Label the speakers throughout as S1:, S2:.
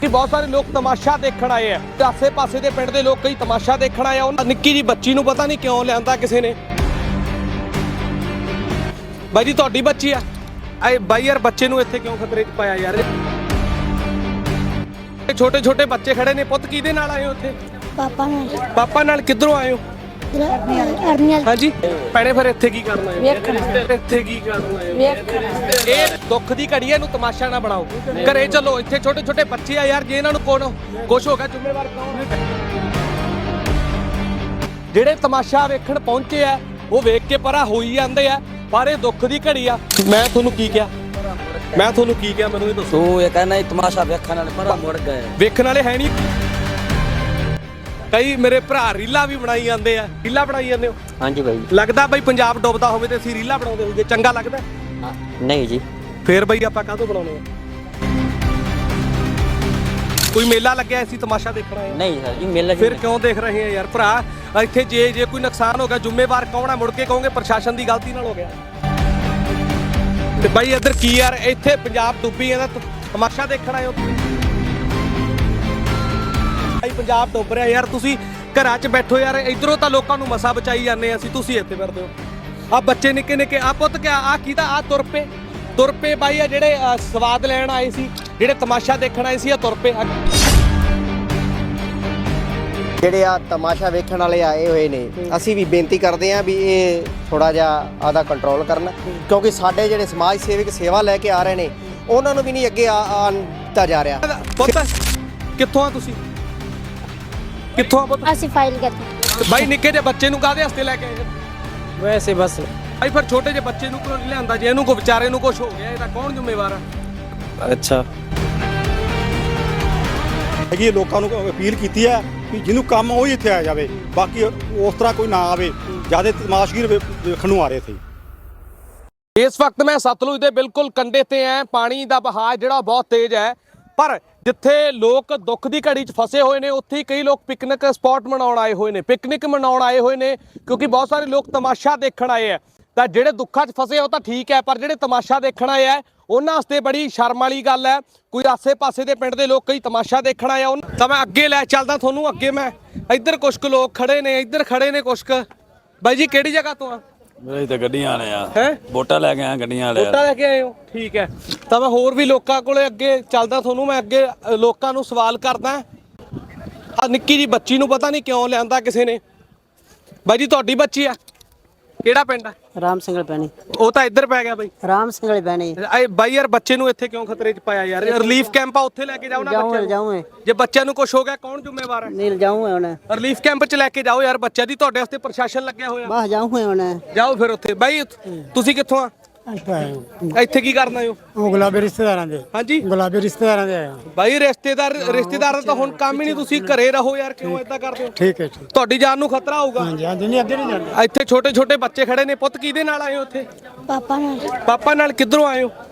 S1: कि बहुत सारे लोग तमाशा देखण आए हैं आसे पासे के पिंड के लोग कई तमाशा देखण आए उन्होंने निक्की जी बच्ची नूं पता नहीं क्यों लिया किसी ने बाई जी तुहाडी बच्ची आ बाई यार बच्चे नूं इत्थे क्यों खतरे च पाया यार छोटे छोटे बच्चे खड़े ने पुੱਤ किहदे नाल आए हो उत्थे पापा नाल किधरों आए हो हाँ जी भैणे फिर इत्थे की करना है इत्थे की करना है ਇਹ ਦੁੱਖ ਦੀ ਘੜੀ ਇਹਨੂੰ ਤਮਾਸ਼ਾ ਨਾ ਬਣਾਓ ਘਰੇ ਚਲੋ ਇੱਥੇ ਛੋਟੇ ਛੋਟੇ ਬੱਚੇ ਆ ਯਾਰ ਜੇ ਇਹਨਾਂ ਨੂੰ ਕੁਛ ਹੋ ਗਿਆ ਜ਼ਿੰਮੇਵਾਰ ਕੌਣ ਹੈ ਜਿਹੜੇ ਤਮਾਸ਼ਾ ਵੇਖਣ ਪਹੁੰਚੇ ਆ ਉਹ ਵੇਖ ਕੇ ਪਰਾ ਹੋਈ ਜਾਂਦੇ ਆ ਪਰ ਇਹ ਦੁੱਖ ਦੀ ਘੜੀ ਆ ਮੈਂ ਤੁਹਾਨੂੰ ਕੀ ਕਿਹਾ ਮੈਨੂੰ ਇਹ ਦੱਸੋ
S2: ਤੂੰ ਇਹ ਕਹਿੰਦਾ ਇਹ ਤਮਾਸ਼ਾ ਵੇਖਣ ਵਾਲੇ ਪਰਾ ਮੁੜ ਗਏ
S1: ਵੇਖਣ ਵਾਲੇ ਹੈ ਨਹੀਂ ਕਈ ਮੇਰੇ ਭਰਾ ਰੀਲਾਂ ਵੀ ਬਣਾਈ ਜਾਂਦੇ ਆ ਰੀਲਾਂ ਬਣਾਈ ਜਾਂਦੇ ਹੋ
S2: ਹਾਂਜੀ ਬਾਈ
S1: ਲੱਗਦਾ ਬਈ ਪੰਜਾਬ ਡੁੱਬਦਾ ਹੋਵੇ ਤੇ ਅਸੀਂ ਰੀਲਾਂ ਬਣਾਉਂਦੇ ਹੋਈਏ ਚੰਗਾ ਲੱਗਦਾ
S2: ਨਹੀਂ ਜੀ
S1: ਫੇਰ ਬਈ ਆਪਾਂ ਕਾਹਤੋਂ ਬਣਾਉਣੇ ਆ ਕੋਈ ਮੇਲਾ ਲੱਗਿਆ ਅਸੀਂ ਤਮਾਸ਼ਾ ਦੇਖਣਾ ਹੈ
S2: ਨਹੀਂ ਸਰ ਜੀ ਮੇਲਾ
S1: ਫਿਰ ਕਿਉਂ ਦੇਖ ਰਹੇ ਆ ਯਾਰ ਭਰਾ ਇੱਥੇ ਜੇ ਕੋਈ ਨੁਕਸਾਨ ਹੋ ਗਿਆ ਜ਼ਿੰਮੇਵਾਰ ਕੌਣ ਹੈ ਮੁੜ ਕੇ ਕਹੋਗੇ ਪ੍ਰਸ਼ਾਸਨ ਦੀ ਗਲਤੀ ਨਾਲ ਹੋ ਗਿਆ ਤੇ ਬਾਈ ਇੱਧਰ ਕੀ ਯਾਰ ਇੱਥੇ ਪੰਜਾਬ ਡੁੱਬੀ ਜਾਂਦਾ ਤਮਾਸ਼ਾ ਦੇਖਣ ਆਏ ਹੋ ਭਾਈ ਪੰਜਾਬ ਡੁੱਬ ਰਿਹਾ ਯਾਰ ਤੁਸੀਂ ਘਰਾਂ 'ਚ ਬੈਠੋ ਯਾਰ ਇਧਰੋਂ ਤਾਂ ਲੋਕਾਂ ਨੂੰ ਮਸਾ ਬਚਾਈ ਜਾਂਦੇ ਅਸੀਂ ਤੁਸੀਂ ਇੱਥੇ ਫਿਰਦੇ ਹੋ ਆ ਬੱਚੇ ਨਿੱਕੇ ਨਿੱਕੇ ਆ ਪੁੱਤ ਕਿਆ ਆ ਕੀਦਾ ਆ ਤੁਰ ਪਏ ਬਾਈ ਆ ਜਿਹੜੇ ਸਵਾਦ ਲੈਣ ਆਏ ਸੀ ਜਿਹੜੇ ਤਮਾਸ਼ਾ ਦੇਖਣ ਆਏ ਸੀ ਆ ਤੁਰ ਪਏ
S3: ਜਿਹੜੇ ਆ ਤਮਾਸ਼ਾ ਵੇਖਣ ਵਾਲੇ ਆਏ ਹੋਏ ਨੇ ਅਸੀਂ ਵੀ ਬੇਨਤੀ ਕਰਦੇ ਆਂ ਵੀ ਇਹ ਥੋੜਾ ਜਿਹਾ ਆਦਾ ਕੰਟਰੋਲ ਕਰਨ ਕਿਉਂਕਿ ਸਾਡੇ ਜਿਹੜੇ ਸਮਾਜ ਸੇਵਕ ਸੇਵਾ ਲੈ ਕੇ ਆ ਰਹੇ ਨੇ ਉਹਨਾਂ ਨੂੰ ਵੀ ਨਹੀਂ ਅੱਗੇ ਆਉਣ ਜਾ ਰਿਹਾ
S1: ਪੁੱਤ ਕਿੱਥੋਂ ਆ ਤੁਸੀਂ ਕਿੱਥੋਂ ਆ ਪੁੱਤ
S4: ਅਸੀਂ ਫਾਈਲ ਕਰਦੇ
S1: ਬਾਈ ਨਿੱਕੇ ਜਿਹੇ ਬੱਚੇ ਨੂੰ ਕਾਹਦੇ ਹਸਤੇ ਲੈ ਕੇ ਆਏ
S2: ਵੈਸੇ ਬਸ
S1: ਭਾਈ ਫਿਰ ਛੋਟੇ ਜਿਹੇ ਬੱਚੇ ਨੂੰ ਕਿਉਂ ਨਹੀਂ ਲਿਆਂਦਾ ਜੇ ਇਹਨੂੰ ਕੋ ਵਿਚਾਰੇ ਨੂੰ ਕੁਝ ਹੋ ਗਿਆ ਇਹਦਾ ਕੌਣ ਜ਼ਿੰਮੇਵਾਰ ਆ
S2: ਅੱਛਾ
S5: ਹੈਗੀ ਲੋਕਾਂ ਨੂੰ ਅਪੀਲ ਕੀਤੀ ਹੈ ਕਿ ਜਿਹਨੂੰ ਕੰਮ ਉਹ ਹੀ ਇੱਥੇ ਆ ਜਾਵੇ ਬਾਕੀ ਉਸ ਤਰ੍ਹਾਂ ਕੋਈ ਨਾ ਆਵੇ ਜਿਆਦਾ ਤਮਾਸ਼ਗੀਰ ਵੇਖਣ ਨੂੰ ਆ ਰਹੇ ਸੀ
S1: ਇਸ ਵਕਤ ਮੈਂ ਸਤਲੁਜ ਦੇ ਬਿਲਕੁਲ ਕੰਢੇ ਤੇ ਆ ਪਾਣੀ ਦਾ ਵਹਾਅ ਜਿਹੜਾ ਬਹੁਤ ਤੇਜ਼ ਹੈ ਪਰ ਜਿੱਥੇ ਲੋਕ ਦੁੱਖ ਦੀ ਘੜੀ 'ਚ ਫਸੇ ਹੋਏ ਨੇ ਉੱਥੇ ਹੀ ਕਈ ਲੋਕ ਪਿਕਨਿਕ ਸਪੌਟ ਮਨਾਉਣ ਆਏ ਹੋਏ ਨੇ ਕਿਉਂਕਿ ਬਹੁਤ ਸਾਰੇ ਲੋਕ ਤਮਾਸ਼ਾ ਦੇਖਣ ਆਏ ਆ ਤਾਂ ਜਿਹੜੇ ਦੁੱਖਾਂ 'ਚ ਫਸੇ ਉਹ ਤਾਂ ਠੀਕ ਹੈ ਪਰ ਜਿਹੜੇ ਤਮਾਸ਼ਾ ਦੇਖਣ ਆਏ ਆ ਉਹਨਾਂ ਵਾਸਤੇ ਬੜੀ ਸ਼ਰਮ ਵਾਲੀ ਗੱਲ ਹੈ ਕੋਈ ਆਸੇ-ਪਾਸੇ ਦੇ ਪਿੰਡ ਦੇ ਲੋਕ ਕਈ ਤਮਾਸ਼ਾ ਦੇਖਣ ਆਏ ਆ ਤਾਂ ਮੈਂ ਅੱਗੇ ਲੈ ਚੱਲਦਾ ਤੁਹਾਨੂੰ ਅੱਗੇ ਮੈਂ ਇੱਧਰ ਕੁਛ ਕੁ ਲੋਕ ਖੜੇ ਨੇ ਇੱਧਰ ਖੜੇ ਨੇ ਕੁਛ ਕੁ ਬਾਈ ਜੀ ਕਿਹੜੀ ਜਗ੍ਹਾ ਤੋਂ ਆ
S6: ਮੇਰੇ ਤਾਂ ਗੱਡੀਆਂ ਵਾਲੇ ਆ
S1: ਹੈ
S6: ਵੋਟਾਂ ਲੈ ਕੇ ਆਏ ਗੱਡੀਆਂ ਵਾਲੇ
S1: ਵੋਟਾਂ ਲੈ ਕੇ ਆਏ ਹੋ ਠੀਕ ਹੈ ਤਾਂ ਮੈਂ ਹੋਰ ਵੀ ਲੋਕਾਂ ਕੋਲੇ ਅੱਗੇ ਚੱਲਦਾ ਤੁਹਾਨੂੰ ਮੈਂ ਅੱਗੇ ਲੋਕਾਂ ਨੂੰ ਸਵਾਲ ਕਰਦਾ ਆ ਨਿੱਕੀ ਜੀ ਬੱਚੀ ਨੂੰ ਪਤਾ ਨਹੀਂ ਕਿਉਂ ਲਿਆਂਦਾ ਕਿਸੇ ਨੇ ਬਾਈ ਜੀ ਤੁਹਾਡੀ ਬੱਚੀ ਆ ਕਿਹੜਾ ਪਿੰਡ ਆ
S2: ਰਾਮ ਸਿੰਘਲ ਪੈਣੀ
S1: ਉਹ ਤਾਂ ਇੱਧਰ ਪੈ ਗਿਆ ਬਾਈ
S2: ਰਾਮ ਸਿੰਘਲ ਪੈਣੀ
S1: ਬਾਈ ਯਾਰ ਬੱਚੇ ਨੂੰ ਇੱਥੇ ਕਿਉਂ ਖਤਰੇ 'ਚ ਪਾਇਆ ਯਾਰ ਰਿਲੀਫ ਕੈਂਪ ਆ ਉੱਥੇ ਲੈ ਕੇ ਜਾਓ ਨਾ ਬੱਚੇ
S2: ਜਾਊਂ
S1: ਜੇ ਬੱਚਿਆਂ ਨੂੰ ਕੁਝ ਹੋ ਗਿਆ ਕੌਣ ਜ਼ਿੰਮੇਵਾਰ ਹੈ
S2: ਨੀਲ ਜਾਊਂ ਹੁਣ
S1: ਰਿਲੀਫ ਕੈਂਪ 'ਚ ਲੈ ਕੇ ਜਾਓ ਯਾਰ ਬੱਚਿਆਂ ਦੀ ਤੁਹਾਡੇ ਵਾਸਤੇ ਪ੍ਰਸ਼ਾਸਨ ਲੱਗਿਆ ਹੋਇਆ
S2: ਬਸ ਜਾਊਂ ਹੁਣ
S1: ਜਾਓ ਫਿਰ ਉੱਥੇ ਬਾਈ ਤੁਸੀਂ ਕਿੱਥੋਂ ਆ ਇੱਥੇ ਕੀ ਕਰਨ ਆਏ ਹੋ
S5: ਉਹ ਗੁਲਾਬੀ ਰਿਸ਼ਤੇਦਾਰਾਂ ਦੇ
S1: ਹਾਂਜੀ
S5: ਗੁਲਾਬੀ ਰਿਸ਼ਤੇਦਾਰਾਂ ਦੇ ਆਇਆ
S1: ਬਾਈ ਰਿਸ਼ਤੇਦਾਰਾਂ ਤਾਂ ਹੁਣ ਕੰਮ ਹੀ ਨਹੀਂ ਤੁਸੀਂ ਘਰੇ ਰਹੋ ਯਾਰ ਕਿਉਂ ਏਦਾਂ ਕਰਦੇ ਹੋ
S5: ਠੀਕ ਹੈ ਠੀਕ
S1: ਤੁਹਾਡੀ ਜਾਨ ਨੂੰ ਖਤਰਾ ਹੋਊਗਾ
S5: ਹਾਂਜੀ ਹਾਂਜੀ ਨਹੀਂ ਅੱਗੇ ਨਹੀਂ ਜਾਂਦੇ
S1: ਇੱਥੇ ਛੋਟੇ ਛੋਟੇ ਬੱਚੇ ਖੜੇ ਨੇ ਪੁੱਤ ਕਿਹਦੇ ਨਾਲ ਆਏ ਹੋ ਉੱਥੇ ਪਾਪਾ ਨਾਲ ਕਿੱਧਰੋਂ ਆਏ ਹੋ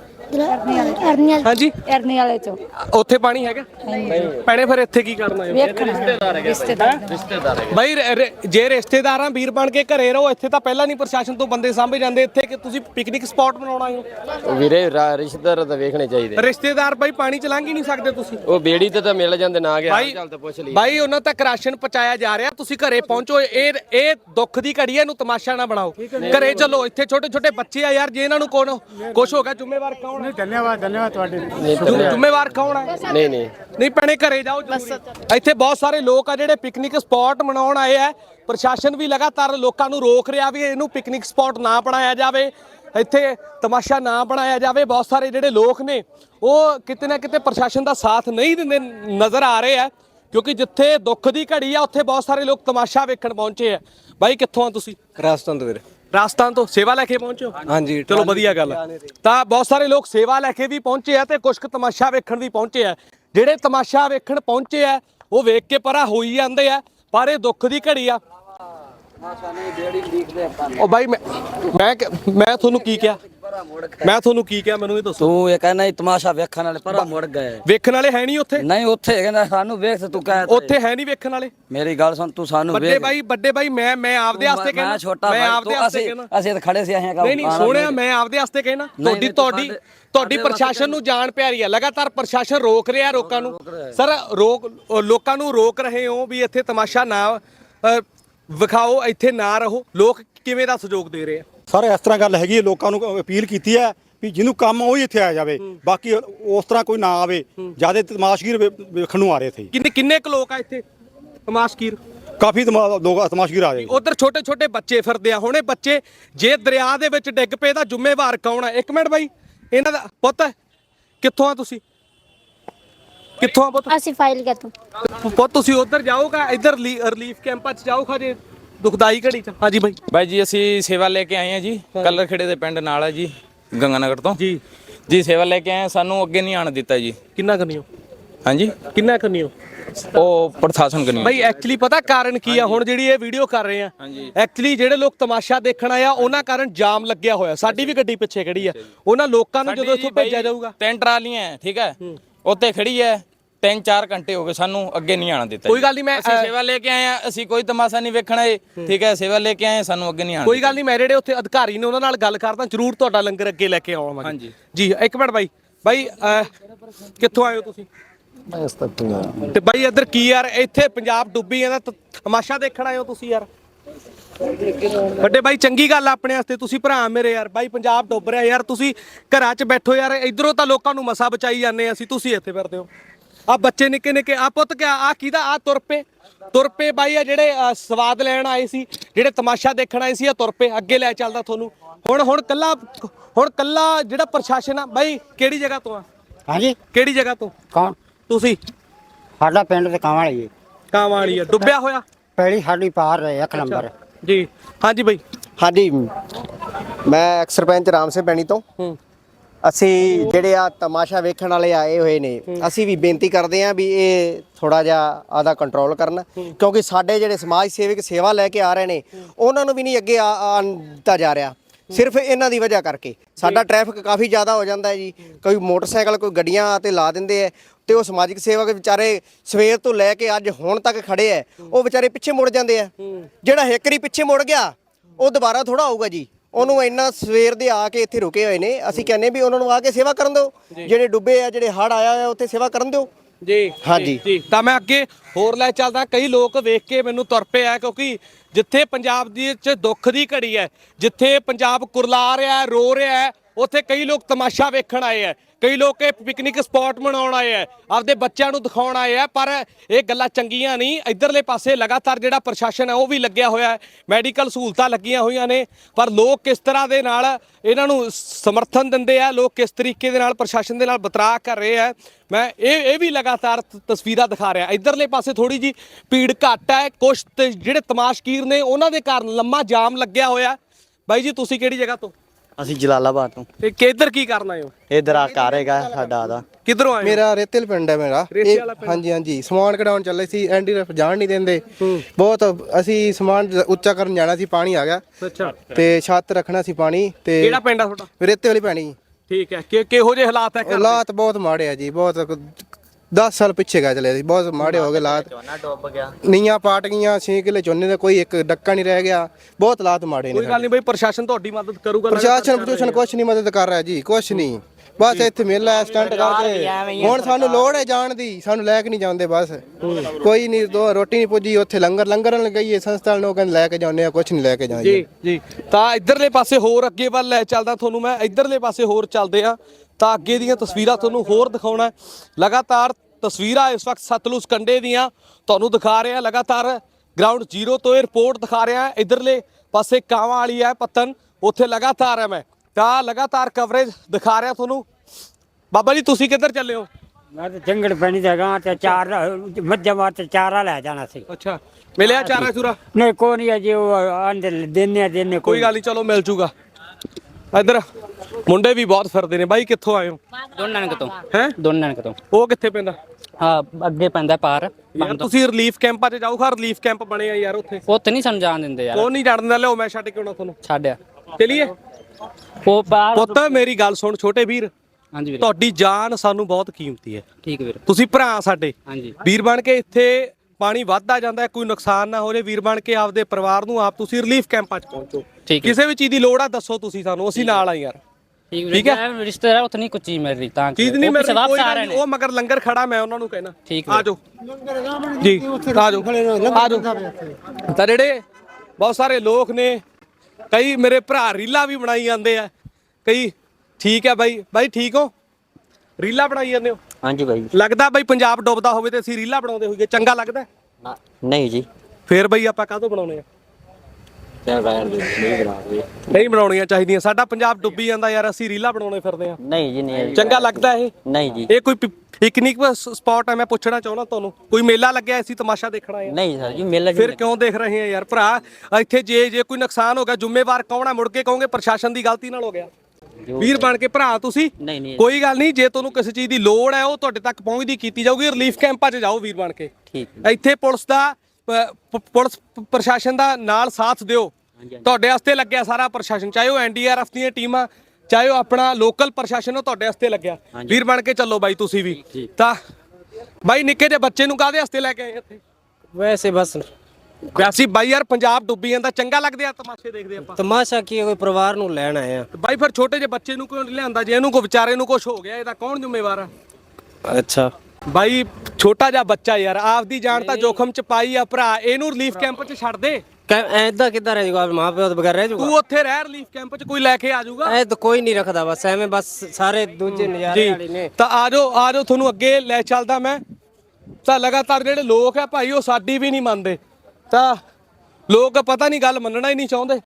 S1: ਹਾਂਜੀ
S4: ਅਰਨੀ ਵਾਲੇ ਚੋਂ
S1: ਉੱਥੇ ਪਾਣੀ ਹੈਗਾ ਭੈਣੇ ਫਿਰ ਇੱਥੇ ਕੀ ਕਰਨਾ ਹੈ ਰਿਸ਼ਤੇਦਾਰ ਬਾਈ ਜੇ ਰਿਸ਼ਤੇਦਾਰਾਂ ਵੀਰ ਬਣ ਕੇ ਘਰੇ ਰਹੋ ਇੱਥੇ ਤਾਂ ਪਹਿਲਾਂ ਨਹੀਂ ਪ੍ਰਸ਼ਾਸਨ ਤੋਂ ਬੰਦੇ ਸਾਂਭੇ ਜਾਂਦੇ ਇੱਥੇ ਕਿ ਤੁਸੀਂ ਪਿਕਨਿਕ ਸਪੌਟ ਬਣਾਉਣਾ ਹੋ
S3: ਵੀਰੇ ਰਿਸ਼ਤੇਦਾਰ ਤਾਂ ਵੇਖਣੇ ਚਾਹੀਦੇ
S1: ਰਿਸ਼ਤੇਦਾਰ ਬਾਈ ਪਾਣੀ ਚ ਲੰਘ ਹੀ ਨਹੀਂ ਸਕਦੇ ਤੁਸੀਂ
S3: ਉਹ ਬੇੜੀ ਤੇ ਤਾਂ ਮਿਲ ਜਾਂਦੇ ਨਾ ਗਿਆ
S1: ਬਾਈ
S3: ਚੱਲ ਤਾਂ ਪੁੱਛ ਲਈ
S1: ਬਾਈ ਉਹਨਾਂ ਤੱਕ ਰਾਸ਼ਨ ਪਹੁੰਚਾਇਆ ਜਾ ਰਿਹਾ ਤੁਸੀਂ ਘਰੇ ਪਹੁੰਚੋ ਇਹ ਦੁੱਖ ਦੀ ਘੜੀ ਹੈ ਇਹਨੂੰ ਤਮਾਸ਼ਾ ਨਾ ਬਣਾਓ ਘਰੇ ਚਲੋ ਇੱਥੇ ਛੋਟੇ ਛੋਟੇ ਬੱਚੇ ਆ ਯਾਰ ਜੇ ਇਹਨਾਂ ਨੂੰ ਕੁਛ ਹੋ ਗਿਆ ਜ਼ਿੰਮੇਵਾਰ ਕੌਣ ਹੈ
S5: ਧੰਨਵਾਦ ਤੁਹਾਡੇ
S1: ਜ਼ਿੰਮੇਵਾਰ ਕੌਣ ਹੈ ਨਹੀਂ ਭੈਣੇ ਘਰੇ ਜਾਓ ਇੱਥੇ ਬਹੁਤ ਸਾਰੇ ਲੋਕ ਆ ਜਿਹੜੇ ਪਿਕਨਿਕ ਸਪੌਟ ਮਨਾਉਣ ਆਏ ਆ ਪ੍ਰਸ਼ਾਸਨ ਵੀ ਲਗਾਤਾਰ ਲੋਕਾਂ ਨੂੰ ਰੋਕ ਰਿਹਾ ਵੀ ਇਹਨੂੰ ਪਿਕਨਿਕ ਸਪੌਟ ਨਾ ਬਣਾਇਆ ਜਾਵੇ ਇੱਥੇ ਤਮਾਸ਼ਾ ਨਾ ਬਣਾਇਆ ਜਾਵੇ ਬਹੁਤ ਸਾਰੇ ਜਿਹੜੇ ਲੋਕ ਨੇ ਉਹ ਕਿਤੇ ਨਾ ਕਿਤੇ ਪ੍ਰਸ਼ਾਸਨ ਦਾ ਸਾਥ ਨਹੀਂ ਦਿੰਦੇ ਨਜ਼ਰ ਆ ਰਹੇ ਆ ਕਿਉਂਕਿ ਜਿੱਥੇ ਦੁੱਖ ਦੀ ਘੜੀ ਆ ਉੱਥੇ ਬਹੁਤ ਸਾਰੇ ਲੋਕ ਤਮਾਸ਼ਾ ਵੇਖਣ ਪਹੁੰਚੇ ਆ ਬਾਈ ਕਿੱਥੋਂ ਆ ਤੁਸੀਂ
S3: ਰਾਜਸਥਾਨ ਤੋਂ ਵੀਰੇ
S1: ਰਾਜਸਥਾਨ ਤੋਂ ਸੇਵਾ ਲੈ ਕੇ ਪਹੁੰਚੇ ਹੋ
S3: ਹਾਂਜੀ
S1: ਚਲੋ ਵਧੀਆ ਗੱਲ ਤਾਂ ਬਹੁਤ ਸਾਰੇ ਲੋਕ ਸੇਵਾ ਲੈ ਕੇ ਵੀ ਪਹੁੰਚੇ ਆ ਤੇ ਕੁਝ ਕੁ ਤਮਾਸ਼ਾ ਵੇਖਣ ਵੀ ਪਹੁੰਚੇ ਆ ਜਿਹੜੇ ਤਮਾਸ਼ਾ ਵੇਖਣ ਪਹੁੰਚੇ ਆ ਉਹ ਵੇਖ ਕੇ ਪਰਾ ਹੋਈ ਜਾਂਦੇ ਆ ਪਰ ਇਹ ਦੁੱਖ ਦੀ ਘੜੀ ਆ ਉਹ ਬਾਈ ਮੈਂ ਤੁਹਾਨੂੰ ਕੀ ਕਿਹਾ ਮੈਂ ਤੁਹਾਨੂੰ ਕੀ ਕਿਹਾ ਮੈਨੂੰ ਇਹ ਦੱਸੋ।
S6: ਤੂੰ ਇਹ ਕਹਿੰਦਾ ਤਮਾਸ਼ਾ ਵੇਖਣ ਵਾਲੇ ਪਰਾਂ ਮੁੜ ਗਏ।
S1: ਵੇਖਣ ਵਾਲੇ ਹੈ ਨਹੀਂ ਉੱਥੇ?
S6: ਨਹੀਂ ਉੱਥੇ ਕਹਿੰਦਾ ਸਾਨੂੰ ਵੇਖ ਤੇ ਤੂੰ ਕਹਿ
S1: ਉੱਥੇ ਹੈ ਨਹੀਂ ਵੇਖਣ ਵਾਲੇ।
S6: ਮੇਰੀ ਗੱਲ ਸੁਣ ਤੂੰ ਸਾਨੂੰ ਵੇਖ।
S1: ਵੱਡੇ ਬਾਈ ਮੈਂ ਆਪਦੇ ਵਾਸਤੇ ਕਹਿਣਾ।
S6: ਮੈਂ ਛੋਟਾ
S1: ਮੈਂ
S6: ਭਾਈ
S1: ਆਪਦੇ ਵਾਸਤੇ ਕਹਿਣਾ।
S6: ਅਸੀਂ ਤਾਂ ਖੜੇ ਸੀ ਅਸੀਂ
S1: ਨਹੀਂ ਸੋਹਣਿਆ ਮੈਂ ਆਪਦੇ ਵਾਸਤੇ ਕਹਿਣਾ। ਤੁਹਾਡੀ ਪ੍ਰਸ਼ਾਸਨ ਨੂੰ ਜਾਣ ਪਿਆਰੀ ਹੈ। ਲਗਾਤਾਰ ਪ੍ਰਸ਼ਾਸਨ ਰੋਕ ਰਿਹਾ ਲੋਕਾਂ ਨੂੰ। ਸਰ ਲੋਕਾਂ ਨੂੰ ਰੋਕ ਰਹੇ ਹੋ ਵੀ ਇੱਥੇ ਤਮਾਸ਼ਾ ਨਾ ਵਿਖਾਓ, ਇੱਥੇ ਨਾ ਰਹੋ। ਲੋਕ ਕਿਵੇਂ ਦਾ ਸਹਿਯੋਗ ਦੇ ਰਹੇ ਆ?
S5: ਸਰ ਇਸ ਤਰ੍ਹਾਂ ਗੱਲ ਹੈਗੀ ਹੈ, ਲੋਕਾਂ ਨੂੰ ਅਪੀਲ ਕੀਤੀ ਹੈ ਵੀ ਜਿਹਨੂੰ ਕੰਮ ਉਹੀ ਇੱਥੇ ਆ ਜਾਵੇ, ਬਾਕੀ ਉਸ ਤਰ੍ਹਾਂ ਕੋਈ ਨਾ ਆਵੇ। ਜਿਆਦਾ ਤਮਾਸ਼ਗੀਰ ਵੇਖਣ ਨੂੰ ਆ ਰਹੇ ਇੱਥੇ।
S1: ਕਿੰਨੇ ਕੁ ਲੋਕ ਆ ਇੱਥੇ ਤਮਾਸ਼ਗੀਰ?
S5: ਕਾਫੀ ਲੋਕ ਤਮਾਸ਼ਗੀਰ ਆ ਰਹੇ।
S1: ਉਧਰ ਛੋਟੇ ਛੋਟੇ ਬੱਚੇ ਫਿਰਦੇ ਆ। ਹੁਣੇ ਬੱਚੇ ਜੇ ਦਰਿਆ ਦੇ ਵਿੱਚ ਡਿੱਗ ਪਏ ਤਾਂ ਜ਼ਿੰਮੇਵਾਰ ਕੌਣ ਹੈ? ਇੱਕ ਮਿੰਟ ਬਾਈ, ਇਹਨਾਂ ਦਾ ਪੁੱਤ ਕਿੱਥੋਂ ਆ ਤੁਸੀਂ? ਕਿੱਥੋਂ ਆ ਪੁੱਤ?
S4: ਅਸੀਂ ਫਾਈਲ ਕਰ ਤੂੰ
S1: ਪੁੱਤ ਤੁਸੀਂ ਉਧਰ ਜਾਓਗਾ, ਇੱਧਰ ਰਿਲੀਫ ਕੈਂਪਾਂ 'ਚ ਜਾਓਗਾ ਜੇ ਦੁਖਦਾਈ ਘੜੀ 'ਚ। ਹਾਂਜੀ ਬਾਈ।
S7: ਬਾਈ ਜੀ ਅਸੀਂ ਸੇਵਾ ਲੈ ਕੇ ਆਏ ਹਾਂ ਜੀ, ਕਲਰ ਖੇੜੇ ਦੇ ਪਿੰਡ ਨਾਲ ਹੈ ਜੀ, ਗੰਗਾਨਗਰ ਤੋਂ ਜੀ ਸੇਵਾ ਲੈ ਕੇ ਆਏ ਹਾਂ। ਸਾਨੂੰ ਅੱਗੇ ਨਹੀਂ ਆਣ ਦਿੱਤਾ ਜੀ।
S1: ਕਿੰਨਾ ਕਰਨੀ ਹੋ?
S7: ਹਾਂਜੀ
S1: ਕਿੰਨਾ ਕਰਨੀ ਹੋ?
S7: ਉਹ ਪ੍ਰਸ਼ਾਸਨ ਕਰਨੀ
S1: ਬਾਈ ਐਕਚੁਅਲੀ ਪਤਾ ਕਾਰਨ ਕੀ ਆ? ਹੁਣ ਜਿਹੜੀ ਇਹ ਵੀਡੀਓ ਕਰ ਰਹੇ ਆ, ਐਕਚੁਅਲੀ ਜਿਹੜੇ ਲੋਕ ਤਮਾਸ਼ਾ ਦੇਖਣ ਆਏ ਆ ਉਹਨਾਂ ਕਾਰਨ ਜਾਮ ਲੱਗਿਆ ਹੋਇਆ। ਸਾਡੀ ਵੀ ਗੱਡੀ ਪਿੱਛੇ ਖੜੀ ਆ। ਉਹਨਾਂ ਲੋਕਾਂ ਨੂੰ ਜਦੋਂ ਇੱਥੋਂ ਭੇਜਿਆ ਜਾਊਗਾ,
S7: 3 ਟਰਾਲੀਆਂ ਹੈ, ਠੀਕ ਹੈ, ਉੱਤੇ ਖੜੀ ਹੈ। 3-4 ਘੰਟੇ ਹੋ ਗਏ, ਸਾਨੂੰ ਅੱਗੇ ਨਹੀਂ ਆਣ ਦਿੱਤਾ।
S1: ਕੋਈ ਗੱਲ ਨਹੀਂ, ਮੈਂ
S7: ਅਸੀਂ ਸੇਵਾ ਲੈ ਕੇ ਆਏ ਆ, ਅਸੀਂ ਕੋਈ ਤਮਾਸ਼ਾ ਨਹੀਂ ਵੇਖਣਾ ਹੈ, ਠੀਕ ਹੈ। ਸੇਵਾ ਲੈ ਕੇ ਆਏ, ਸਾਨੂੰ ਅੱਗੇ ਨਹੀਂ ਆਣ।
S1: ਕੋਈ ਗੱਲ ਨਹੀਂ, ਮੈਂ ਜਿਹੜੇ ਉੱਥੇ ਅਧਿਕਾਰੀ ਨੇ ਉਹਨਾਂ ਨਾਲ ਗੱਲ ਕਰਦਾ, ਜ਼ਰੂਰ ਤੁਹਾਡਾ ਲੰਗਰ ਅੱਗੇ ਲੈ ਕੇ ਆਵਾਂਗੇ।
S7: ਹਾਂਜੀ
S1: ਜੀ ਇੱਕ ਮਿੰਟ ਬਾਈ ਕਿੱਥੋਂ ਆਏ ਹੋ ਤੁਸੀਂ? ਤੇ ਬਾਈ ਇੱਧਰ ਕੀ ਯਾਰ, ਇੱਥੇ ਪੰਜਾਬ ਡੁੱਬੀ ਜਾਂਦਾ, ਤਮਾਸ਼ਾ ਦੇਖਣ ਆਏ ਹੋ ਤੁਸੀਂ ਯਾਰ? ਵੱਡੇ ਬਾਈ ਚੰਗੀ ਗੱਲ ਆਪਣੇ ਵਾਸਤੇ, ਤੁਸੀਂ ਭਰਾ ਮੇਰੇ ਯਾਰ। ਬਾਈ ਪੰਜਾਬ ਡੁੱਬ ਰਿਹਾ ਯਾਰ, ਤੁਸੀਂ ਘਰਾਂ 'ਚ ਬੈਠੋ ਯਾਰ। ਇਧਰੋਂ ਤਾਂ ਲੋਕਾਂ ਨੂੰ ਮਸਾ ਬਚਾਈ ਜਾਂਦੇ ਅਸੀਂ, ਤੁਸੀਂ ਇੱਥੇ ਫਿਰਦੇ ਹੋ। ਆ ਬੱਚੇ ਨਿੱਕੇ ਨਿੱਕੇ, ਆ ਪੁੱਤ ਕਿਆ ਆ ਕਿਹਦਾ? ਆ ਤੁਰ ਪਏ ਬਾਈ, ਆ ਜਿਹੜੇ ਸਵਾਦ ਲੈਣ ਆਏ ਸੀ, ਜਿਹੜੇ ਤਮਾਸ਼ਾ ਦੇਖਣ ਆਏ ਸੀ, ਆ ਤੁਰ ਪਏ। ਅੱਗੇ ਲੈ ਚੱਲਦਾ ਤੁਹਾਨੂੰ। ਹੁਣ ਕੱਲਾ ਜਿਹੜਾ ਪ੍ਰਸ਼ਾਸਨ ਆ। ਬਾਈ ਕਿਹੜੀ ਜਗ੍ਹਾ ਤੋਂ ਆ?
S2: ਹਾਂਜੀ।
S1: ਕਿਹੜੀ ਜਗ੍ਹਾ ਤੋਂ?
S2: ਕੌਣ?
S1: ਤੁਸੀਂ?
S2: ਸਾਡਾ ਪਿੰਡ ਤੇ ਕਾਵਾਂ ਵਾਲੀ ਹੈ।
S1: ਕਾਵਾਂ ਵਾਲੀ ਆ, ਡੁੱਬਿਆ ਹੋਇਆ?
S2: ਪਹਿਲੀ ਸਾਡੀ ਪਾਰ ਹੈ 1 ਨੰਬਰ।
S1: ਜੀ ਹਾਂਜੀ ਬਾਈ।
S3: ਹਾਂਜੀ, ਮੈਂ ਐਕਸ ਸਰਪੰਚ ਰਾਮ ਸਿੰਘ ਪੈਣੀ ਤੋਂ। ਅਸੀਂ ਜਿਹੜੇ ਆ ਤਮਾਸ਼ਾ ਵੇਖਣ ਵਾਲੇ ਆਏ ਹੋਏ ਨੇ, ਅਸੀਂ ਵੀ ਬੇਨਤੀ ਕਰਦੇ ਹਾਂ ਵੀ ਇਹ ਥੋੜਾ ਜਿਹਾ ਆਦਾ ਕੰਟਰੋਲ ਕਰਨ, ਕਿਉਂਕਿ ਸਾਡੇ ਜਿਹੜੇ ਸਮਾਜ ਸੇਵਕ ਸੇਵਾ ਲੈ ਕੇ ਆ ਰਹੇ ਨੇ ਉਹਨਾਂ ਨੂੰ ਵੀ ਨਹੀਂ ਅੱਗੇ ਆਉਣ ਦਿੱਤਾ ਜਾ ਰਿਹਾ। ਸਿਰਫ ਇਹਨਾਂ ਦੀ ਵਜ੍ਹਾ ਕਰਕੇ ਸਾਡਾ ਟ੍ਰੈਫਿਕ ਕਾਫੀ ਜ਼ਿਆਦਾ ਹੋ ਜਾਂਦਾ ਹੈ ਜੀ। ਕੋਈ ਮੋਟਰਸਾਈਕਲ, ਕੋਈ ਗੱਡੀਆਂ ਤੇ ਲਾ ਦਿੰਦੇ ਹੈ, ਤੇ ਉਹ ਸਮਾਜਿਕ ਸੇਵਕ ਵਿਚਾਰੇ ਸਵੇਰ ਤੋਂ ਲੈ ਕੇ ਅੱਜ ਹੁਣ ਤੱਕ ਖੜੇ ਹੈ, ਉਹ ਵਿਚਾਰੇ ਪਿੱਛੇ ਮੁੜ ਜਾਂਦੇ ਆ। ਜਿਹੜਾ ਹਿੱਕਰੀ ਪਿੱਛੇ ਮੁੜ ਗਿਆ ਉਹ ਦੁਬਾਰਾ ਥੋੜਾ ਆਊਗਾ ਜੀ। ਉਹਨੂੰ ਇੰਨਾ ਸਵੇਰ ਦੇ ਆ ਕੇ ਇੱਥੇ ਰੁਕੇ ਹੋਏ ਨੇ। ਅਸੀਂ ਕਹਿੰਦੇ ਵੀ ਉਹਨਾਂ ਨੂੰ ਆ ਕੇ ਸੇਵਾ ਕਰਨ ਦਿਓ। ਜਿਹੜੇ ਡੁੱਬੇ ਆ, ਜਿਹੜੇ ਹੜ੍ਹ ਆਇਆ ਹੋਇਆ, ਉੱਥੇ ਸੇਵਾ ਕਰਨ ਦਿਓ
S1: ਜੀ।
S3: ਹਾਂਜੀ
S1: ਜੀ ਤਾਂ ਮੈਂ ਅੱਗੇ ਹੋਰ ਲੈ ਚੱਲਦਾ। ਕਈ ਲੋਕ ਵੇਖ ਕੇ ਮੈਨੂੰ ਤੁਰ ਪਏ ਆ, ਕਿਉਂਕਿ ਜਿੱਥੇ ਪੰਜਾਬ ਦੀ ਚ ਦੁੱਖ ਦੀ ਘੜੀ ਹੈ, ਜਿੱਥੇ ਪੰਜਾਬ ਕੁਰਲਾ ਰਿਹਾ, ਰੋ ਰਿਹਾ ਹੈ, ਉੱਥੇ ਕਈ ਲੋਕ ਤਮਾਸ਼ਾ ਵੇਖਣ ਆਏ ਆ। ਕਈ ਲੋਕ ਇਹ ਪਿਕਨਿਕ ਸਪੌਟ ਮਨਾਉਣ ਆਏ ਆ, ਆਪਦੇ ਬੱਚਿਆਂ ਨੂੰ ਦਿਖਾਉਣ ਆਏ ਆ। ਪਰ ਇਹ ਗੱਲਾਂ ਚੰਗੀਆਂ ਨਹੀਂ। ਇਧਰਲੇ ਪਾਸੇ ਲਗਾਤਾਰ ਜਿਹੜਾ ਪ੍ਰਸ਼ਾਸਨ ਹੈ ਉਹ ਵੀ ਲੱਗਿਆ ਹੋਇਆ ਹੈ, ਮੈਡੀਕਲ ਸਹੂਲਤਾਂ ਲੱਗੀਆਂ ਹੋਈਆਂ ਨੇ। ਪਰ ਲੋਕ ਕਿਸ ਤਰ੍ਹਾਂ ਦੇ ਨਾਲ ਇਹਨਾਂ ਨੂੰ ਸਮਰਥਨ ਦਿੰਦੇ ਆ, ਲੋਕ ਕਿਸ ਤਰੀਕੇ ਦੇ ਨਾਲ ਪ੍ਰਸ਼ਾਸਨ ਦੇ ਨਾਲ ਬਤਰਾਅ ਕਰ ਰਹੇ ਆ, ਮੈਂ ਇਹ ਵੀ ਲਗਾਤਾਰ ਤਸਵੀਰਾਂ ਦਿਖਾ ਰਿਹਾ। ਇਧਰਲੇ ਪਾਸੇ ਥੋੜੀ ਜੀ ਭੀੜ ਘੱਟ ਹੈ। ਕੁਛ ਜਿਹੜੇ ਤਮਾਸ਼ਗੀਰ ਨੇ ਉਹਨਾਂ ਦੇ ਕਾਰਨ ਲੰਮਾ ਜਾਮ ਲੱਗਿਆ ਹੋਇਆ। ਬਾਈ ਜੀ ਤੁਸੀਂ ਕਿਹੜੀ ਜਗ੍ਹਾ ਤੋਂ?
S8: ਅਸੀਂ ਜਲਾਲਾਬਾਦ ਤੋਂ।
S1: ਤੇ ਕਿੱਧਰ ਕੀ ਕਰਨ ਆਏ ਹੋ?
S8: ਇਧਰ ਆ ਘਰ ਹੈਗਾ ਸਾਡਾ ਆਦਾ।
S1: ਕਿੱਧਰੋਂ ਆਏ ਹੋ?
S9: ਮੇਰਾ ਰੇਤਲ ਪਿੰਡ ਹੈ ਮੇਰਾ। ਹਾਂਜੀ ਹਾਂਜੀ, ਸਮਾਨ ਕਢਾਉਣ ਚੱਲੇ ਸੀ, ਐਨਡੀਆਰਐਫ ਜਾਣ ਨਹੀਂ ਦਿੰਦੇ ਬਹੁਤ। ਅਸੀਂ ਸਮਾਨ ਉੱਚਾ ਕਰਨ ਜਾਣਾ ਸੀ, ਪਾਣੀ ਆ ਗਿਆ।
S1: ਅੱਛਾ।
S9: ਤੇ ਛੱਤ ਰੱਖਣਾ ਸੀ ਪਾਣੀ। ਤੇ
S1: ਕਿਹੜਾ ਪਿੰਡ ਆ ਤੁਹਾਡਾ?
S9: ਰੇਤੇ ਵਾਲੀ ਪੈਣੀ।
S1: ਠੀਕ ਹੈ। ਕਿਹੋ ਜਿਹੇ ਹਾਲਾਤ ਹੈ?
S9: ਹਾਲਾਤ ਬਹੁਤ ਮਾੜੇ ਆ ਜੀ, ਬਹੁਤ 10 ਸਾਲ ਪਿੱਛੇ ਗਏ ਚਲੇ ਸੀ, ਬਹੁਤ ਮਾੜੇ ਹੋ ਗਏ ਹਾਲਾਤ।
S8: ਝੋਨਾ ਡੁੱਬ ਗਿਆ,
S9: ਨੀਆਂ ਪਾਟ ਗਈਆਂ, 6 ਕਿੱਲੇ ਝੋਨੇ ਦਾ ਕੋਈ ਇੱਕ ਡੱਕਾ ਨਹੀਂ ਰਹਿ ਗਿਆ। ਬਹੁਤ ਹਾਲਾਤ ਮਾੜੇ ਨੇ।
S1: ਕੋਈ ਗੱਲ ਨਹੀਂ ਬਈ, ਪ੍ਰਸ਼ਾਸਨ ਤੁਹਾਡੀ ਮਦਦ ਕਰੂਗਾ।
S9: ਪ੍ਰਸ਼ਾਸਨ ਕੁਛ ਨਹੀਂ ਮਦਦ ਕਰ ਰਿਹਾ ਜੀ, ਕੁਛ ਨਹੀਂ। ਬਸ ਇੱਥੇ ਮੇਲਾ ਸਟੰਟ ਕਰਕੇ ਹੁਣ ਸਾਨੂੰ ਲੋੜ ਹੈ ਜਾਣ ਦੀ, ਸਾਨੂੰ ਲੈ ਕੇ ਨਹੀਂ ਜਾਂਦੇ। ਬਸ ਕੋਈ ਨਹੀਂ, ਰੋਟੀ ਨਹੀਂ ਪੁੱਜੀ। ਉੱਥੇ ਲੰਗਰ ਲਗਾਈਏ ਸੰਸਥਾ ਨੂੰ, ਕਹਿੰਦੇ ਲੈ ਕੇ ਜਾਂਦੇ ਆ, ਕੁਛ ਨਹੀਂ ਲੈ ਕੇ ਜਾਂਦੇ।
S1: ਜੀ ਜੀ ਤਾਂ ਇਧਰਲੇ ਪਾਸੇ ਹੋਰ ਅੱਗੇ ਵੱਲ ਲੈ ਚੱਲਦਾ ਤੁਹਾਨੂੰ ਮੈਂ। ਇਧਰਲੇ ਪਾਸੇ ਹੋਰ ਚੱਲਦੇ ਆ ਤਾਂ ਅੱਗੇ ਦੀਆਂ ਤਸਵੀਰਾਂ ਤੁਹਾਨੂੰ ਹੋਰ ਦਿਖਾਉਣਾ। ਲਗਾਤਾਰ ਤਸਵੀਰਾਂ ਇਸ ਵਕਤ ਸਤਲੁਜ ਕੰਢੇ ਦੀਆਂ ਤੁਹਾਨੂੰ ਦਿਖਾ ਰਿਹਾ। ਲਗਾਤਾਰ ਗਰਾਊਂਡ ਜ਼ੀਰੋ ਤੋਂ ਇਹ ਰਿਪੋਰਟ ਦਿਖਾ ਰਿਹਾ। ਇਧਰਲੇ ਪਾਸੇ ਕਾਵਾਂ ਵਾਲੀ ਹੈ ਪਤਨ, ਉੱਥੇ ਲਗਾਤਾਰ ਹੈ ਮੈਂ ਤਾਂ ਲਗਾਤਾਰ ਕਵਰੇਜ ਦਿਖਾ ਰਿਹਾ ਤੁਹਾਨੂੰ। ਬਾਬਾ ਜੀ ਤੁਸੀਂ ਕਿੱਧਰ ਚੱਲੇ ਹੋ?
S10: ਮੈਂ ਤਾਂ ਜੰਗਲ ਪੈਣੀ ਜਗ੍ਹਾ ਤੇ 4 ਮੱਝਾਂ ਵਾਸਤੇ ਚਾਰਾ ਲੈ ਜਾਣਾ ਸੀ।
S1: ਅੱਛਾ, ਮਿਲਿਆ ਚਾਰਾ ਚੂਰਾ?
S10: ਨਹੀਂ ਕੋਈ ਨਹੀਂ ਅਜੇ, ਉਹ ਆਂਦੇ ਦੇਣੇ
S1: ਕੋਈ ਗੱਲ ਨਹੀਂ, ਚਲੋ ਮਿਲ ਜੂਗਾ। ਇੱਧਰ ਮੁੰਡੇ ਵੀ ਬਹੁਤ ਫਿਰਦੇ ਨੇ। ਬਾਈ ਕਿੱਥੋਂ ਆਏ ਹੋ?
S11: ਦੋਨਣਕ ਤੋਂ।
S1: ਹੈ
S11: ਦੋਨਣਕ ਤੋਂ।
S1: ਉਹ ਕਿੱਥੇ ਪੈਂਦਾ?
S11: ਹਾਂ ਅੱਗੇ ਪੈਂਦਾ ਪਾਰ।
S1: ਯਾਰ ਤੁਸੀਂ ਰਿਲੀਫ ਕੈਂਪਾਂ 'ਚ ਜਾਓ। ਖਾ ਰਿਲੀਫ ਕੈਂਪ ਬਣੇ ਆ ਯਾਰ ਉੱਥੇ।
S11: ਉੱਥੇ ਨਹੀਂ ਸਾਨੂੰ ਜਾਣ ਦਿੰਦੇ ਯਾਰ।
S1: ਉਹ ਨਹੀਂ ਜਾਣ ਦਿੰਦਾ। ਲਿਓ ਮੈਂ ਛੱਡ ਕੇ ਆਉਣਾ ਤੁਹਾਨੂੰ।
S11: ਛੱਡਿਆ।
S1: ਚਲਿਏ
S11: ਉਹ ਪਾਰ
S1: ਪੁੱਤ ਮੇਰੀ ਗੱਲ ਸੁਣ ਛੋਟੇ ਵੀਰ,
S11: ਹਾਂਜੀ ਵੀਰੇ
S1: ਤੁਹਾਡੀ ਜਾਨ ਸਾਨੂੰ ਬਹੁਤ ਕੀਮਤੀ ਹੈ।
S11: ਠੀਕ ਵੀਰੇ
S1: ਤੁਸੀਂ ਭਰਾ ਸਾਡੇ
S11: ਹਾਂਜੀ
S1: ਵੀਰ ਬਣ ਕੇ ਇੱਥੇ ਪਾਣੀ ਵੱਧਦਾ ਜਾਂਦਾ ਹੈ, ਕੋਈ ਨੁਕਸਾਨ ਨਾ ਹੋ ਜਾਏ, ਵੀਰ ਬਣ ਕੇ ਆਪਦੇ ਪਰਿਵਾਰ ਨੂੰ ਆਪ ਤੁਸੀਂ ਰਿਲੀਫ ਕੈਂਪਾਂ 'ਚ ਪਹੁੰਚੋ।
S11: ਠੀਕ ਹੈ
S1: ਕਿਸੇ ਵੀ ਚੀਜ਼ ਦੀ ਲੋੜ ਆ ਦੱਸੋ ਤੁਸੀਂ ਸਾਨੂੰ, ਅਸੀਂ ਨਾਲ ਆ ਯਾਰ।
S11: ਠੀਕ
S1: ਠੀਕ ਹੈ।
S11: ਹੈ ਰਿਸ਼ਤੇਦਾਰ ਉੱਥੇ ਨਹੀਂ ਕੁਝ ਚੀਜ਼ ਮਿਲ ਰਹੀ ਤਾਂ
S1: ਚੀਜ਼ ਨਹੀਂ ਮਿਲ ਰਹੀ,
S11: ਵਾਪਸ
S1: ਕੋਈ
S11: ਆ
S1: ਗੱਲ
S11: ਰਹੇ
S1: ਨਹੀਂ,
S11: ਨੇ
S1: ਉਹ ਮਗਰ ਲੰਗਰ ਖੜਾ, ਮੈਂ ਉਹਨਾਂ ਨੂੰ ਕਹਿਣਾ
S11: ਠੀਕ
S1: ਆ ਜਾਓ ਜੀ, ਆ ਜਾਓ ਆ ਜਾਓ। ਤਾਂ ਜਿਹੜੇ ਬਹੁਤ ਸਾਰੇ ਲੋਕ ਨੇ, ਕਈ ਮੇਰੇ ਭਰਾ ਰੀਲਾਂ ਵੀ ਬਣਾਈ ਜਾਂਦੇ ਆ, ਕਈ ਠੀਕ ਹੈ ਬਾਈ ਠੀਕ ਹੋ, ਰੀਲਾਂ ਬਣਾਈ ਜਾਂਦੇ ਹੋ,
S8: ਹਾਂਜੀ ਬਾਈ
S1: ਲੱਗਦਾ ਬਾਈ ਪੰਜਾਬ ਡੁੱਬਦਾ ਹੋਵੇ ਤੇ ਅਸੀਂ ਰੀਲਾਂ ਬਣਾਉਂਦੇ ਹੋਈਏ, ਚੰਗਾ ਲੱਗਦਾ?
S8: ਨਹੀਂ ਜੀ
S1: ਫੇਰ ਬਈ ਆਪਾਂ ਕਾਹਤੋਂ ਬਣਾਉਣੇ ਆ?
S8: ਚੱਲ ਨਹੀਂ ਬਣਾਵੇ
S1: ਨਹੀਂ ਬਣਾਉਣੀਆਂ ਚਾਹੀਦੀਆਂ, ਸਾਡਾ ਪੰਜਾਬ ਡੁੱਬੀ ਜਾਂਦਾ ਯਾਰ, ਅਸੀਂ ਰੀਲਾਂ ਬਣਾਉਣੇ ਫਿਰਦੇ ਆ।
S8: ਨਹੀਂ ਜੀ ਨਹੀਂ
S1: ਚੰਗਾ ਲੱਗਦਾ ਇਹ?
S8: ਨਹੀਂ ਜੀ
S1: ਇਹ ਕੋਈ ਪਿਕਨਿਕ ਸਪੌਟ ਹੈ? ਮੈਂ ਪੁੱਛਣਾ ਚਾਹੁੰਦਾ ਤੁਹਾਨੂੰ, ਕੋਈ ਮੇਲਾ ਲੱਗਿਆ ਅਸੀਂ ਤਮਾਸ਼ਾ ਦੇਖਣਾ ਹੈ?
S8: ਨਹੀਂ ਸਰ ਜੀ ਮੇਲਾ
S1: ਫਿਰ ਕਿਉਂ ਦੇਖ ਰਹੇ ਆ ਯਾਰ ਭਰਾ? ਇੱਥੇ ਜੇ ਕੋਈ ਨੁਕਸਾਨ ਹੋ ਗਿਆ ਜ਼ਿੰਮੇਵਾਰ ਕੌਣ ਹੈ? ਮੁੜ ਕੇ ਕਹੋਗੇ ਪ੍ਰਸ਼ਾਸਨ ਦੀ ਗਲਤੀ ਨਾਲ ਹੋ ਗਿਆ। ਵੀਰ ਬਣ ਕੇ ਭਰਾ ਤੁਸੀਂ,
S8: ਨਹੀਂ
S1: ਕੋਈ ਗੱਲ ਨਹੀਂ, ਜੇ ਤੁਹਾਨੂੰ ਕਿਸੇ ਚੀਜ਼ ਦੀ ਲੋੜ ਹੈ ਉਹ ਤੁਹਾਡੇ ਤੱਕ ਪਹੁੰਚਦੀ ਕੀਤੀ ਜਾਊਗੀ। ਰਿਲੀਫ ਕੈਂਪਾਂ 'ਚ ਜਾਓ ਵੀਰ ਬਣ ਕੇ,
S8: ਠੀਕ
S1: ਇੱਥੇ ਪੁਲਿਸ ਪ੍ਰਸ਼ਾਸਨ ਦਾ ਨਾਲ ਸਾਥ ਦਿਓ। ਤੁਹਾਡੇ ਵਾਸਤੇ ਲੱਗਿਆ ਸਾਰਾ ਪ੍ਰਸ਼ਾਸਨ, ਚਾਹੇ ਉਹ ਐਨਡੀਆਰਐਫ ਦੀਆਂ ਟੀਮਾਂ, ਚਾਹੇ ਉਹ ਆਪਣਾ ਲੋਕਲ ਪ੍ਰਸ਼ਾਸਨ, ਉਹ ਤੁਹਾਡੇ ਵਾਸਤੇ ਲੱਗਿਆ। ਵੀਰ ਬਣ ਕੇ ਚੱਲੋ ਬਾਈ ਤੁਸੀਂ ਵੀ। ਤਾਂ ਬਾਈ ਨਿੱਕੇ ਜਿਹੇ ਬੱਚੇ ਨੂੰ ਕਾਹਦੇ ਵਾਸਤੇ ਲੈ ਕੇ ਆਏ ਇੱਥੇ?
S4: ਵੈਸੇ ਬਸ
S1: ਵੈਸੇ ਬਾਈ ਯਾਰ ਪੰਜਾਬ ਡੁੱਬੀ ਜਾਂਦਾ, ਚੰਗਾ ਲੱਗਦੇ ਆ ਤਮਾਸ਼ੇ ਦੇਖਦੇ ਆਪਾਂ।
S4: ਤਮਾਸ਼ਾ ਕੀ ਕੋਈ ਪਰਿਵਾਰ ਨੂੰ ਲੈਣ ਆਏ ਆ।
S1: ਬਾਈ ਫਿਰ ਛੋਟੇ ਜਿਹੇ ਬੱਚੇ ਨੂੰ ਕਿਉਂ ਲਿਆਂਦਾ? ਜੇ ਇਹਨੂੰ ਕੋਈ ਵਿਚਾਰੇ ਨੂੰ ਕੁਝ ਹੋ ਗਿਆ ਇਹਦਾ ਕੌਣ ਜ਼ਿੰਮੇਵਾਰ ਆ?
S4: ਅੱਛਾ
S1: ਬਾਈ ਛੋਟਾ ਜਿਹਾ ਬੱਚਾ ਯਾਰ, ਆਪਦੀ ਜਾਨ ਤਾਂ ਜੋਖਮ 'ਚ ਪਾਈ ਆ ਭਰਾ, ਇਹਨੂੰ ਰਿਲੀਫ ਕੈਂਪ 'ਚ ਛੱਡ ਦੇ।
S4: ਐਦਾਂ ਕਿੱਦਾਂ ਰਹਿ ਜਾਊਗਾ? ਮਾਂ ਪਿਓ ਤੋਂ ਬਗੈਰ ਰਹਿ ਜਾਊਗਾ?
S1: ਤੂੰ ਉੱਥੇ ਰਹਿ, ਰਿਲੀਫ ਕੈਂਪ 'ਚ ਕੋਈ ਲੈ ਕੇ ਆ ਜਾਊਗਾ?
S4: ਐ ਤਾਂ ਕੋਈ ਨਹੀਂ ਰੱਖਦਾ, ਬਸ ਐਵੇਂ ਬਸ ਸਾਰੇ ਦੂਜੇ ਨਜ਼ਾਰੇ ਵਾਲੇ ਨੇ।
S1: ਤਾਂ ਆ ਜਾਓ ਤੁਹਾਨੂੰ ਅੱਗੇ ਲੈ ਚੱਲਦਾ ਮੈਂ। ਤਾਂ ਲਗਾਤਾਰ ਜਿਹੜੇ ਲੋਕ ਆ ਭਾਈ ਉਹ ਸਾਡੀ ਵੀ ਨਹੀਂ ਮੰਨਦੇ, ਤਾਂ ਲੋਕ ਪਤਾ ਨਹੀਂ ਗੱਲ ਮੰਨਣਾ ਹੀ ਨਹੀਂ ਚਾਹੁੰਦੇ।